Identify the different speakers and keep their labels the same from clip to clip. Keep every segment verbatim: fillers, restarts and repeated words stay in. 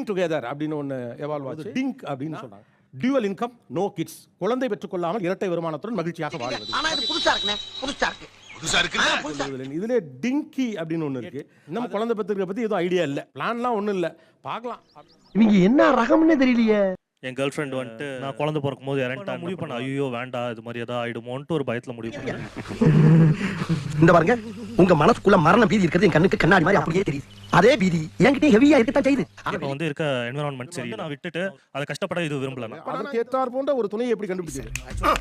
Speaker 1: Together அப்படின்னு ஒன்று evolve ஆச்சு. டிங்க் அப்படின்னு சொன்னாங்க. டியூவல் இன்கம் நோ கிட்ஸ், குழந்தை பெற்றுக்கொள்ளாமல் இரட்டை வருமானத்துடன் மகிழ்ச்சியாக வாழ்வது.
Speaker 2: ஆனா இது புதுசா இருக்குனே, புதுசா இருக்கு. புதுசா இருக்கு.
Speaker 1: இதுல டிங்கி அப்படின்னு ஒன்று இருக்கு. இன்னும் குழந்தை பெற்றுக்க பத்தி எதுவும் ஐடியா இல்லை, பிளான்லாம் ஒன்றும் இல்லை, பார்க்கலாம்.
Speaker 3: இவங்க என்ன ரகம்னே தெரியலையே.
Speaker 4: என் கேர்ள் ஃப்ரெண்ட் வந்துட்டு நான் குழந்தை பிறக்கும் போது இறந்துட்டா முடிவு பண்ண, ஐயோ வேண்டாம் இது மாதிரி ஏதாவது ஆயிடுமோன்ட்டு ஒரு பயத்துல முடிவு பண்ணேன்.
Speaker 3: இந்த பாருங்க, உங்க மனசுக்குள்ள மரண பீதி இருக்கிறது என் கண்ணுக்கு கண்ணாடி மாதிரி அப்படியே தெரியுது. அதே பீதி என்கிட்ட ஹெவியா இருக்கத்தான் செய்யுது.
Speaker 4: இப்போ வந்து இருக்க என்விரான்மெண்ட் சரி, நான் விட்டுட்டு அதை கஷ்டப்பட இது விரும்பல.
Speaker 1: அதற்கு ஏற்றார் போன்ற ஒரு துணையை எப்படி கண்டுபிடிச்சது?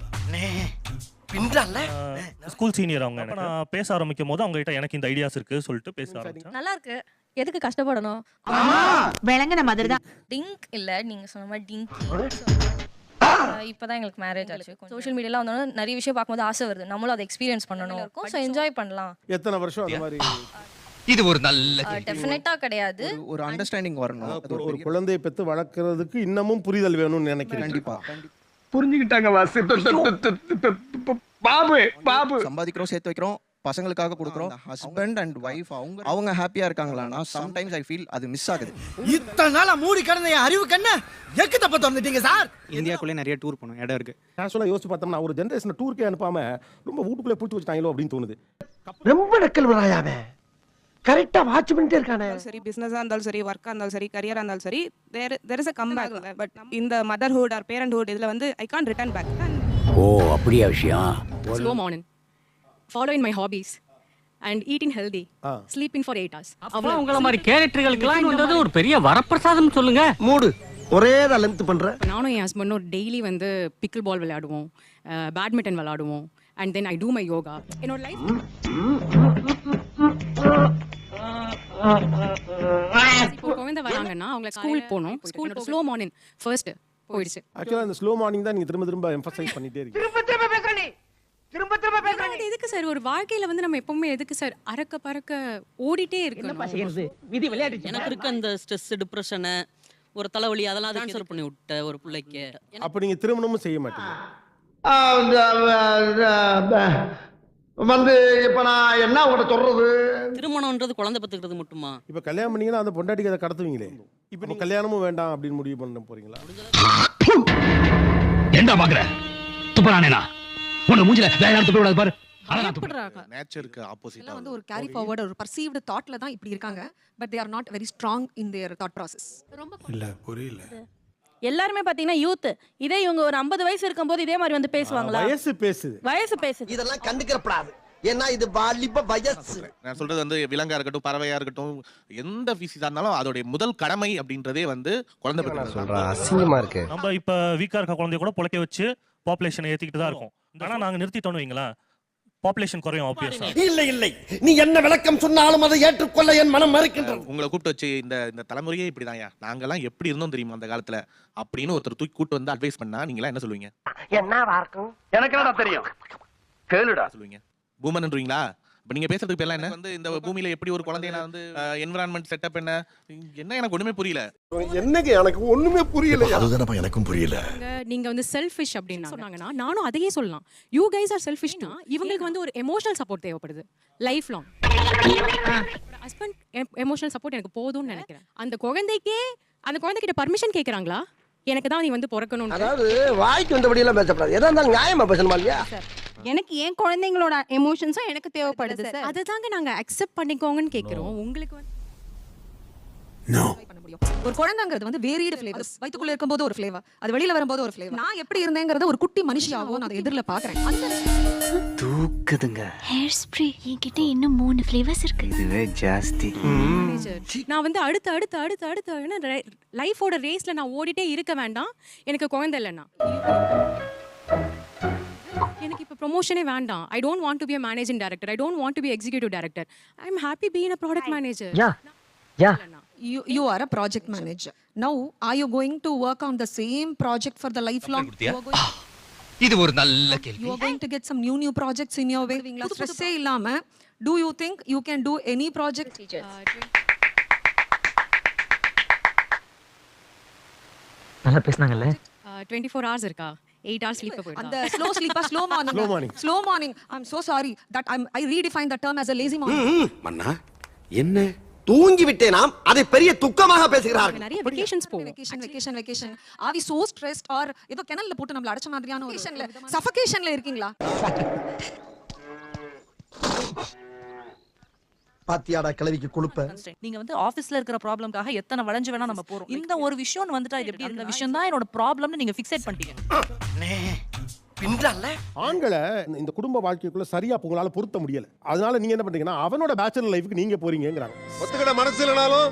Speaker 4: ஸ்கூல் சீனியர் அவங்க. நான் பேச ஆரம்பிக்கும் போது அவங்க கிட்ட எனக்கு இந்த ஐடியாஸ் இருக்கு சொல்லிட்டு பேச ஆரம்பிச்சேன்.
Speaker 5: நல்லா இருக்கு, எதுக்கு கஷ்டப்படணும்?
Speaker 6: விளங்குன மாதிரி தான்.
Speaker 5: டிங்க் இல்ல, நீங்க சொன்ன மாதிரி டிங்க். இப்பதான் எங்களுக்கு மேரேஜ் ஆச்சு. சோஷியல் மீடியால வந்தோம், நிறைய விஷயம் பார்க்கும்போது ஆசை வருது, நம்மளும் அதை எக்ஸ்பீரியன்ஸ் பண்ணணும், ஸோ என்ஜாய் பண்ணலாம்.
Speaker 1: எத்தனை வருஷம் அந்த மாதிரி?
Speaker 2: இது ஒரு நல்ல
Speaker 5: டெஃபினட்டா கிடையாது,
Speaker 7: ஒரு அண்டர்ஸ்டாண்டிங் வரணும்.
Speaker 1: ஒரு குழந்தையை பெற்று வளர்க்கறதுக்கு இன்னமும் புரிதல் வேணும்னு நினைக்கிறேன்.
Speaker 7: கண்டிப்பா
Speaker 3: புரிஞ்சுக்கிட்டாங்க வாசு. பாபு பாபு
Speaker 7: சம்பாதிக்கிறோம், சேர்த்து வைக்கிறோம், பசங்களுக்காக கொடுக்குறோம். ஹஸ்பண்ட் அண்ட் வைஃப் அவங்க அவங்க ஹாப்பியா இருக்காங்களான்னா சம்டைம்ஸ் ஐ ஃபீல் அது மிஸ் ஆகுது.
Speaker 2: இத்தனை நாளா மூடி கிடந்த என் அறிவு கண்ண எக்கு தப்ப திறந்துட்டீங்க சார்.
Speaker 8: இந்தியாக்குள்ளே நிறைய டூர் போனோம், இடம் இருக்கு.
Speaker 1: கேஷுவலாக யோசிச்சு பார்த்தோம்னா ஒரு ஜென்ரேஷனை டூருக்கே அனுப்பாம ரொம்ப வீட்டுக்குள்ளே பிடிச்சி வச்சுட்டாங்களோ அப்படின்னு தோணுது.
Speaker 3: ரொம்ப நக்கல் வராயாவே. கரெக்டா வாட்ச் பண்ணிட்டே இருக்கானே.
Speaker 9: சரி, பிசினஸா இருந்தாலும் சரி, ஒர்க்கா இருந்தாலும் சரி, கரியரா இருந்தாலும் சரி, there there is a comeback. But இந்த மதர்ஹுட் ஆர் பேரண்ட்ஹுட் இதுல வந்து ஐ கான்ட் ரிட்டர்ன் பேக்.
Speaker 3: ஓ அப்படியே விஷயம்.
Speaker 9: Slow morning, following my hobbies and eating healthy, sleeping for eight hours.
Speaker 3: அவ்வளவு உங்கள மாதிரி கேரக்டர்களுக்கு வந்தது ஒரு பெரிய வரப்பிரசாதம் சொல்லுங்க. மூடு ஒரே தான் லென்த் பண்ற.
Speaker 9: நானும் என் ஹஸ்பண்டும் டெய்லி வந்து பிக்கிள் பால் விளையாடுவோம், பேட்மிண்டன் விளையாடுவோம், and then I do my yoga. என்னோட லைஃப் இப்போ குழந்தை வராங்கன்னா அவங்க ஸ்கூல் போகணும், ஸ்கூல் ஸ்லோ மார்னிங் ஃபர்ஸ்ட் போயிடுச்சு.
Speaker 1: ஆக்சுவலாக அந்த ஸ்லோ மார்னிங் தான் நீங்கள் திரும்ப திரும்ப எம்பசைஸ் பண்ணிட்டே இருக்கீங்க.
Speaker 3: திரும்ப திரும்ப பேசுற நீ திரும்ப திரும்ப பேசுற நீ.
Speaker 9: எதுக்கு சார் ஒரு வாழ்க்கையில வந்து நம்ம எப்பவுமே எதுக்கு சார் அரக்க பறக்க ஓடிட்டே இருக்கணும்?
Speaker 3: விதி விளையாட்டு.
Speaker 6: எனக்கு இருக்க அந்த ஸ்ட்ரெஸ், டிப்ரெஷன், ஒரு தலைவலி அதெல்லாம் ட்ரான்ஸ்ஃபர் பண்ணி விட்ட ஒரு பிள்ளைக்கு.
Speaker 1: அப்போ நீங்கள் திருமணமும் செய்ய மாட்டீங்க
Speaker 3: வந்து இப்ப நான் என்ன உங்கள்கிட்ட சொல்றது?
Speaker 6: திருமணம்ன்றது குழந்தை பெற்றுக்கிறது மட்டுமா?
Speaker 1: இப்போ கல்யாணம் பண்ணீங்கன்னா அந்த பொண்டாட்டிக்கு அதை கடத்துவீங்களே, இப்போ நீ கல்யாணமும் வேண்டாம் அப்படின்னு முடிவு பண்ண போறீங்களா?
Speaker 3: என்ன பாக்குற துப்பறானேனா உன மூஞ்சில வேற யாரும் துப்ப கூடாது பாரு.
Speaker 7: நேச்சருக்கு ஆப்போசிட்டா
Speaker 9: வந்து ஒரு கேரி ஃபார்வர்ட் ஒரு பர்சீவ்ட் தாட்ல தான் இப்படி இருக்காங்க. But they are not very strong in their thought process.
Speaker 1: இல்ல புரியல.
Speaker 5: எல்லாருமே பாத்தீங்கன்னா யூத், இதே இவங்க ஒரு ஐம்பது வயசு இருக்கும்போது இதே மாதிரி வந்து பேசுவாங்களா?
Speaker 1: வயசு பேசுது,
Speaker 5: வயசு பேசுது.
Speaker 2: இதெல்லாம் கண்டுக்கிறப்படாது, ஏன்னா இது வாலிப வயசு.
Speaker 7: நான் சொல்றது வந்து விலங்கா இருக்கட்டும், பறவையா இருக்கட்டும், எந்த பீஸா இருந்தாலும் அதோட முதல் கடமை அப்படின்றதே வந்து குழந்தை பெற்று சொல்றா.
Speaker 3: அசிங்கமா இருக்கு.
Speaker 4: நம்ம இப்ப வீக்கா இருக்க குழந்தைய கூட பொழைக்க வச்சு பாப்புலேஷனை ஏத்திக்கிட்டு தான் இருக்கும். ஆனா நாங்க நிறுத்திட்டோம்னு வைங்களேன், பாப்புலேஷன் குறையும் ஆப்வியஸா.
Speaker 2: இல்லை இல்லை, நீ என்ன விளக்கம் சொன்னாலும் அதை ஏற்றுக்கொள்ள என் மனம் மறுக்கின்றது.
Speaker 7: உங்களை கூப்பிட்டு வச்சு இந்த இந்த தலைமுறையே இப்படிதான்யா, நாங்கெல்லாம் எப்படி இருந்தோம் தெரியுமா அந்த காலத்துல அப்படின்னு ஒருத்தர் தூக்கி கூட்டு வந்து அட்வைஸ் பண்ணா நீங்களா என்ன சொல்லுவீங்க?
Speaker 3: என்னவா இருக்கும்? எனக்கு என்ன தெரியும், கேளுடா
Speaker 7: சொல்லுவீங்க. பூமன்ன்றீங்களா? இப்ப நீங்க பேசுறதுக்கு பேர்லாம் என்ன வந்து இந்த பூமியில எப்படி ஒரு குழந்தைய நான் வந்து என்விரான்மெண்ட் செட்டப் என்ன என்ன எனக்கு ஒண்ணுமே புரியல.
Speaker 1: என்னங்க எனக்கு ஒண்ணுமே புரியல.
Speaker 2: அதுதானப்பா எனக்கும் புரியல.
Speaker 9: நீங்க வந்து செல்ஃபிஷ் அப்படின்னு சொன்னாங்கன்னா நானும் அதையே சொல்லலாம். யூ கைஸ் ஆர் செல்ஃபிஷ்னா இவங்களுக்கு வந்து ஒரு எமோஷனல் சப்போர்ட் தேவைப்படுது life long. Husband emotional support எனக்கு போதும்னு நினைக்கிறேன். அந்த குழந்தைக்கே அந்த குழந்தைகிட்ட பர்மிஷன் கேட்கறாங்களா? எனக்கு தான் நீ வந்து பிறக்கணும்.
Speaker 3: அதாவது வாய்க்கு வந்தபடி எல்லாம் பேசப்படாது, எதா இருந்தாலும் நியாயமா பேசணுமா இல்லையா?
Speaker 9: எனக்கு ஏன் குழந்தைங்களோட எமோஷன்ஸும் எனக்கு தேவைப்படுது சார். அதை தாங்க நாங்க அக்செப்ட் பண்ணிக்கோங்கன்னு கேட்கிறோம். உங்களுக்கு வந்து
Speaker 10: ஒரு குழந்தைங்கிறது வந்து வேரியட் ஃப்ளேவர்ஸ். வயித்துக்குள்ள இருக்கும்போது ஒரு ஃப்ளேவர், அது வெளியில வரும்போது ஒரு ஃப்ளேவர். நான் எப்படி இருந்தேங்கறத ஒரு குட்டி மனுஷியாவோ நான் எதிர்ல பாக்குறேன்.
Speaker 3: தூக்குதுங்க.
Speaker 6: ஹேர் ஸ்ப்ரே என்கிட்ட இன்னும் மூணு ஃப்ளேவர்ஸ் இருக்கு.
Speaker 3: இதுவே ஜாஸ்தி.
Speaker 9: நான் வந்து அடுத்து அடுத்து அடுத்து அடுத்து லைஃபோட ரேஸ்ல நான் ஓடிட்டே இருக்க வேண்டாம். எனக்கு குழந்தை இல்லைன்னா எனக்கு இப்ப ப்ரொமோஷனே வேண்டாம். I don't want to be a managing director. I don't want to be executive director. I am happy being a product manager.
Speaker 3: Yeah. Yeah.
Speaker 10: You you are a project manager. Now are you going to work on the same project for the lifelong? You are going
Speaker 2: இது ஒரு நல்ல கேள்வி.
Speaker 10: You are going to get some new new projects in your way. Stress ஏ இல்லாம do you think you can do any project?
Speaker 3: நல்லா பேசுனாங்கல்ல.
Speaker 9: twenty-four hours இருக்கா? eight hours sleep போயிடுதா?
Speaker 10: அந்த slow sleep slow morning.
Speaker 1: Slow morning.
Speaker 10: Slow morning. I'm so sorry that I'm I redefine the term as a lazy morning.
Speaker 2: மன்னா என்ன
Speaker 3: தூங்கி விட்டேனாம் அதை பெரிய துக்கமாக பேசுகிறார்கள்.
Speaker 9: நிறைய வெக்கேஷன்ஸ் போவோம்.
Speaker 10: வெக்கேஷன் வெக்கேஷன் வெக்கேஷன் ஆவி சோ ஸ்ட்ரெஸ்ட் ஆர் ஏதோ கிணல்ல போட்டு நம்மள அடைச்ச மாதிரியான ஒரு சஃபகேஷன்ல இருக்கீங்களா?
Speaker 3: பாத்தியாடா கிளவிக்கு கொழுப்ப.
Speaker 6: நீங்க வந்து ஆபீஸ்ல இருக்கிற ப்ராப்ளம்காக எத்தனை வளைஞ்சு வேணா நம்ம போறோம். இந்த ஒரு விஷயம் வந்துட்டா இது எப்படி இந்த விஷயம் தான் என்னோட ப்ராப்ளம்னு நீங்க ஃபிக்ஸேட் பண்ணிட்டீங்க.
Speaker 1: ஆண்களை இந்த குடும்ப வாழ்க்கைக்குள்ள சரியா உங்களால பொருத்த முடியல. அதனால நீங்க என்ன பண்றீங்கன்னா அவனோட பேச்சுலர் லைஃப்க்கு நீங்க போறீங்கங்கறாங்க.
Speaker 11: ஒத்துக்கிட மனசு இல்லனாலும்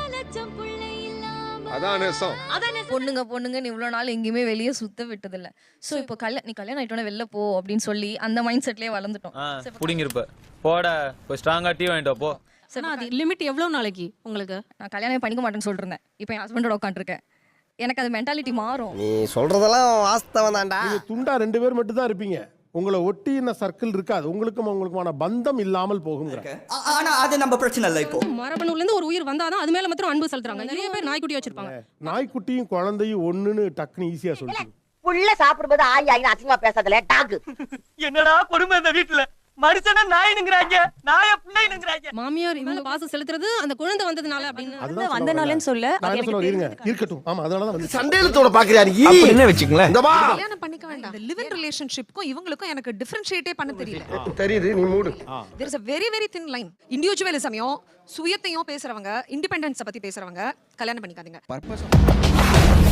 Speaker 11: அதான் நேசம்.
Speaker 5: பொண்ணுங்க பொண்ணுங்கன்னு இவ்வளவு நாள் எங்கேயுமே வெளியே சுத்த விட்டது இல்ல. சோ இப்போ கல்யாணம் நீ கல்யாணம் ஆயிட்டோட வெளில போ அப்படின்னு சொல்லி அந்த மைண்ட் செட்லயே வளர்ந்துட்டோம்.
Speaker 12: புடிங்கிருப்ப போட போய் ஸ்ட்ராங்கா டீ வாங்கிட்டு போ.
Speaker 9: அது லிமிட் எவ்வளவு நாளைக்கு உங்களுக்கு?
Speaker 5: நான் கல்யாணம் பண்ணிக்க மாட்டேன்னு சொல்லிட்டு இருந்தேன். இப்போ என் ஹஸ்பண்டோட உட்காந்துருக்கேன். எனக்கு அது மென்டாலிட்டி மாறும்.
Speaker 3: நீ சொல்றதெல்லாம் வாஸ்தவம் தான்டா.
Speaker 1: நீங்க துண்டா ரெண்டு பேர் மட்டும் தான் இருப்பீங்க. உங்களை ஒட்டின சர்க்கிள் இருக்காது. உங்களுக்கும் உங்களுக்குமான பந்தம் இல்லாமல் போகும்ங்கறாங்க.
Speaker 2: ஆனா அது நம்ம பிரச்சனை இல்ல. இப்போ
Speaker 9: மரபணுல இருந்து ஒரு உயிர் வந்தாதான் அது மேல மட்டும் அன்பு செலுத்துறாங்க. நிறைய பேர் நாய்க்குட்டி வச்சிருப்பாங்க.
Speaker 1: நாய்க்குட்டியும் குழந்தையும் ஒண்ணுன்னு டக்குன்னு ஈஸியா சொல்லிடுங்க.
Speaker 10: புள்ள சாப்பிடும்போது ஆயி ஆயி அசிங்கமா பேசாதல டாக்.
Speaker 2: என்னடா கொடுமை இந்த வீட்டுல. மனுஷனா நாயினுங்கறாங்க, நாய புள்ளைனுங்கறாங்க.
Speaker 9: மாமியார் இவங்க பாசம் செலுத்துறது அந்த குழந்தை வந்ததுனால அப்படின்னு
Speaker 1: அதுதான்
Speaker 5: வந்தனாலன்னு சொல்ல
Speaker 1: நான் என்ன சொல்ல இருங்க இருக்கட்டும். ஆமா அதனால தான் வந்து
Speaker 3: சண்டேலத்தோட பாக்குறியா நீ?
Speaker 12: என்ன வெச்சுங்களேன்.
Speaker 3: இந்த வா.
Speaker 10: கல்யாணம் பண்ணிக்க வேண்டாம். இந்த லிவ் இன் ரிலேஷன்ஷிப்க்கும் இவங்களுக்கும் எனக்கு டிஃபரன்ஷியேட்டே பண்ண தெரியல.
Speaker 3: தெரியுது நீ மூடு.
Speaker 10: there is a very very thin line. இண்டிவிஜுவலிசமையும் சுயத்தையும் பேசுறவங்க, இண்டிபெண்டன்ஸை பத்தி பேசுறவங்க கல்யாணம் பண்ணிக்காதீங்க.